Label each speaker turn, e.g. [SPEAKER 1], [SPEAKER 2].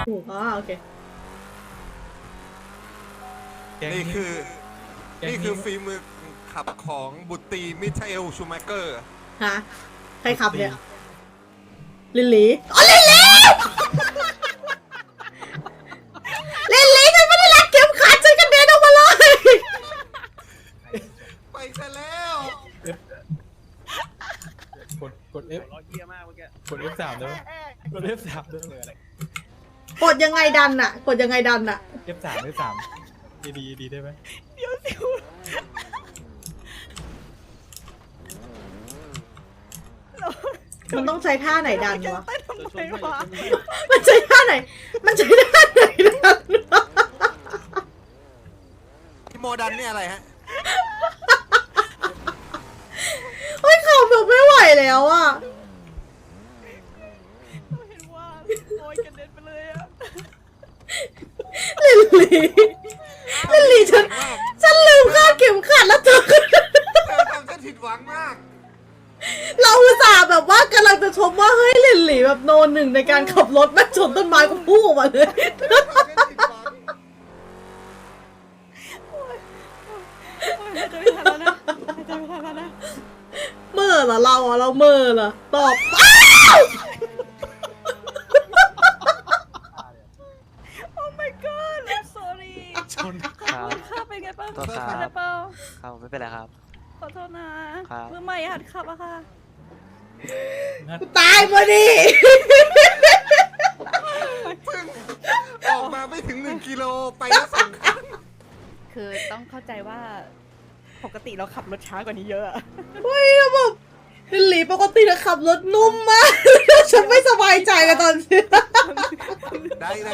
[SPEAKER 1] ถูกโอเค
[SPEAKER 2] นี่คือฝีมือขับของบุตรีมิเชลชูมาเกอร์
[SPEAKER 1] ฮะใครขับเนี่ยลิลลี่อ๋อลิลลี่ลิลลี่ฉันไม่ได้รัดเข็มขัดฉันกระเด็นออกมาเลย
[SPEAKER 2] ไปซะแล้ว
[SPEAKER 3] กด F กด F3 ได้ไหมกด F3 ได้ไหม
[SPEAKER 1] กดยังไงดันอะกดยังไงดันอะ
[SPEAKER 3] F3 ดีได้ไหม
[SPEAKER 4] เดี๋ยวสิ
[SPEAKER 1] มันต้องใช้ท่าไหนดันวะ
[SPEAKER 4] เต้นทำไมวะ
[SPEAKER 1] มันใช้ท่าไหนมันใช้ท่าไหนดันวะ
[SPEAKER 2] ที่โมดันนี่อะไรฮะ
[SPEAKER 1] เฮ้ยขับแบบไม่ไหวแล้วอะ
[SPEAKER 4] เห็นว่าโอยกระเด็นไปเลยอะ
[SPEAKER 1] ลิลลี่ฉันลืมคาดเข็มขัดแล้วเธอ
[SPEAKER 2] เธอทำฉันผิดหวังมาก
[SPEAKER 1] เราอุตส่าห์แบบว่ากำลังจะชมว่าเฮ้ยลิลลี่แบบโนหนึ่งในการขับรถแม่งชนต้นไม้ก็พุ่งออกมาเลย
[SPEAKER 2] เธอทำฉันผิดหวัง
[SPEAKER 4] หายใจไม่ทันแล้วนะหายใจไม่ทันแล้วนะ
[SPEAKER 1] เมื่อเหรอเราอะเราเมื่อเหรอตอบอ้าว
[SPEAKER 4] โอ้ my god I'm sorry
[SPEAKER 3] ชน
[SPEAKER 5] ครับ
[SPEAKER 4] ข้าเป็นไงบ้าง
[SPEAKER 5] ตัวครับ
[SPEAKER 4] เป็นไรเปล่า
[SPEAKER 5] ครับไม่เป็นไรครับ
[SPEAKER 4] ขอโทษนะครับ มือใหม่หัดขับอะค่ะ
[SPEAKER 1] ตายพอดี
[SPEAKER 2] เพิ่งออกมาไม่ถึง1 กิโลไปแล้ว2 ครั้ง
[SPEAKER 4] คือต้องเข้าใจว่าปกติเราขับรถช้ากว่านี้เยอะอะ
[SPEAKER 1] เฮ้ยแล้วแบบลิลลี่ปกติจะขับรถนุ่มมาก ฉันไม่สบายใจกับตอนนี้
[SPEAKER 2] ได้